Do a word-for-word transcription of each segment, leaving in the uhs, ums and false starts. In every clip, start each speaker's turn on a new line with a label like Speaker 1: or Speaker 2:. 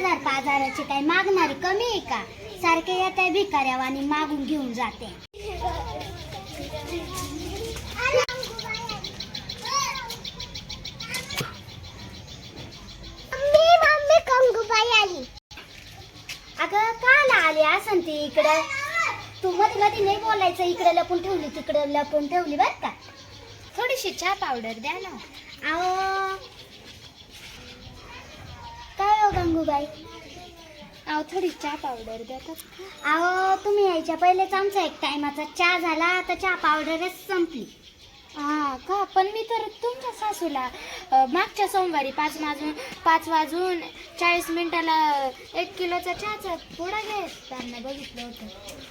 Speaker 1: शेजार पाजाराचे काही मागणारे कमी आहे का? सारखे येत आहे भिकाऱ्यावानी मागून घेऊन जाते. अगं काला आली असं ती इकडं? तू मध्ये मध्ये नाही बोलायचं. इकडे लपून ठेवली तिकडे लपून ठेवली बर का.
Speaker 2: थोडीशी चहा पावडर द्या ना.
Speaker 1: अहो काय हो गंगूबाई?
Speaker 2: अहो थोडी चहा पावडर द्या तर.
Speaker 1: अहो तुम्ही यायच्या पहिलेच आमचा एक टायमाचा चहा झाला तर चहा पावडरच संपली.
Speaker 2: हा का? पण मी तर तुमच्या सासूला अ, मागच्या सोमवारी पाच वाजून पाच वाजून चाळीस मिनिटाला एक किलोचा चहाचा पुडा घेताना बघितलं होतं.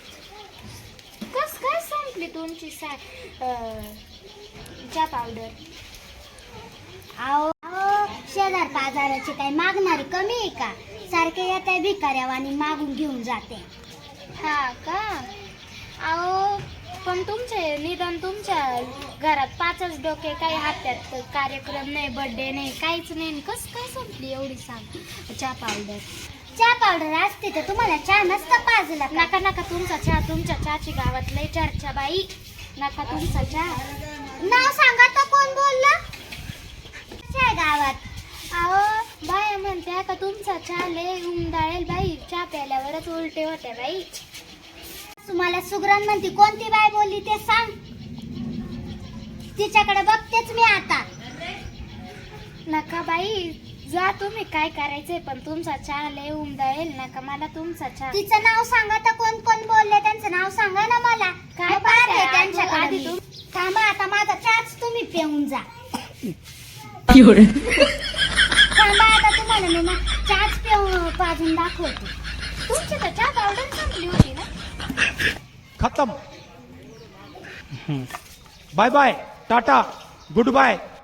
Speaker 2: कस काय संपली तुमची सा अ, चहा पावडर?
Speaker 1: अहो अहो, शेजार पाजाराचे काही मागणारे कमी आहे का? सारखे येत आहे भिकाऱ्यावानी मागून घेऊन जाते.
Speaker 2: हा का? अहो पण तुमचे निदान तुमच्या घरात पाचच डोके, काही हात्यात कार्यक्रम नाही, बर्थडे नाही, काहीच नाही. कस काय संपली एवढी सांग चहा पावडर?
Speaker 1: चहा पावडर असते तर तुम्हाला चहा नसता पाजला का?
Speaker 2: नका नका तुमचा चहा. तुमच्या चहाची गावात लय चर्चा बाई. नका तुमचा चहा.
Speaker 1: नाव सांगा तर कोण बोललं? चहा गावात.
Speaker 2: अहो बाया म्हणत्या का तुमचा चहा लय उमदाळेल बाई. चहा प्यायल्यावरच उलटे होते बाई.
Speaker 1: तुम्हाला सुगरण म्हणती कोणती बाय बोलली ते सांग. तिच्याकडे बघतेच मी आता.
Speaker 2: नका बाई जा तुम्ही, काय करायचंय पण तुमचा चहा लय उमदाळेल. नका मला तुमचा चहा.
Speaker 1: तिचं नाव सांगा तर कोण कोण बोलले त्यांचं नाव सांगा ना मला.
Speaker 2: काय
Speaker 1: पाहते
Speaker 2: पाहते?
Speaker 1: त्यांच्याकडे
Speaker 2: आधी
Speaker 1: मी.
Speaker 2: तुम-
Speaker 1: थांबा आता माझा चहाच तुम्ही पिऊन जा. थांबा आता तुम्हाला मी ना चहाच पिऊन पाजून दाखवते.
Speaker 2: तुमची तर चहा पावडर संपली होती ना.
Speaker 3: खत्म. Bye bye, tata, good bye.